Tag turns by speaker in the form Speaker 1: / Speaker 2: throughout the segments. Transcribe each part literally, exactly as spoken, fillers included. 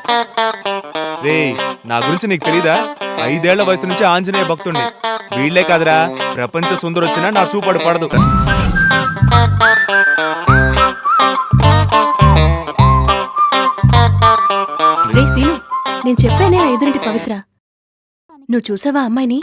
Speaker 1: రే నా గురించి నీకు తెలీదా? ఐదేళ్ల వయసు నుంచి ఆంజనేయ భక్తుణ్ణి. వీళ్లే కాదురా, ప్రపంచ సుందరొచ్చినా నా చూపడు పడదు.
Speaker 2: రే సీను, నేను చెప్పానే ఎదురింటి పవిత్ర, నువ్వు చూసావా అమ్మాయిని?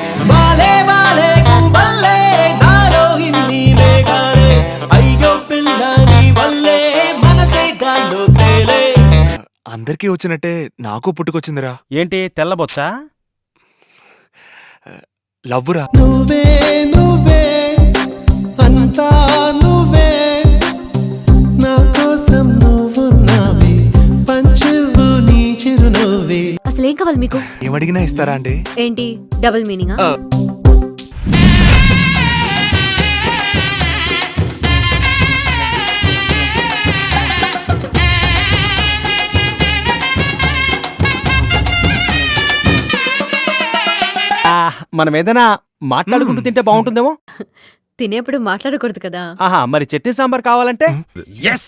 Speaker 1: అందరికీ వచ్చినట్టే నాకు పుట్టుకొచ్చిందిరా.
Speaker 3: ఏంటి తెల్లబొచ్చా?
Speaker 1: లవ్వురా.
Speaker 4: నువ్వే నువ్వే అంతా నువ్వే, నా కోసం నువ్వున్నావే, పంచువు నీ చిరునవ్వే.
Speaker 2: అసలేం కావాలి మీకు?
Speaker 1: ఏమడిగినా ఇస్తారా అండి?
Speaker 2: ఏంటి డబుల్ మీనింగా?
Speaker 3: మనం ఏదైనా మాట్లాడుకుంటూ తింటే బాగుంటుందేమో.
Speaker 2: తినేప్పుడు మాట్లాడకూడదు కదా.
Speaker 3: ఆహా, మరి చట్నీ సాంబార్ కావాలంటే ఎస్.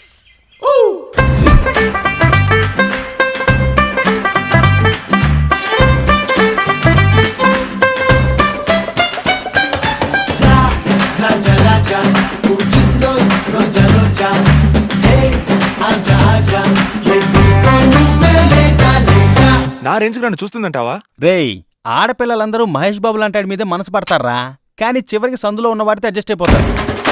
Speaker 1: నా రేంజ్ నన్ను చూస్తుందంటావా?
Speaker 3: రేయ్, ఆడపిల్లలందరూ మహేష్ బాబు లాంటి మీదే మనసు పడతారా, కానీ చివరికి సందులో ఉన్న వాడితే అడ్జస్ట్ అయిపోతారు.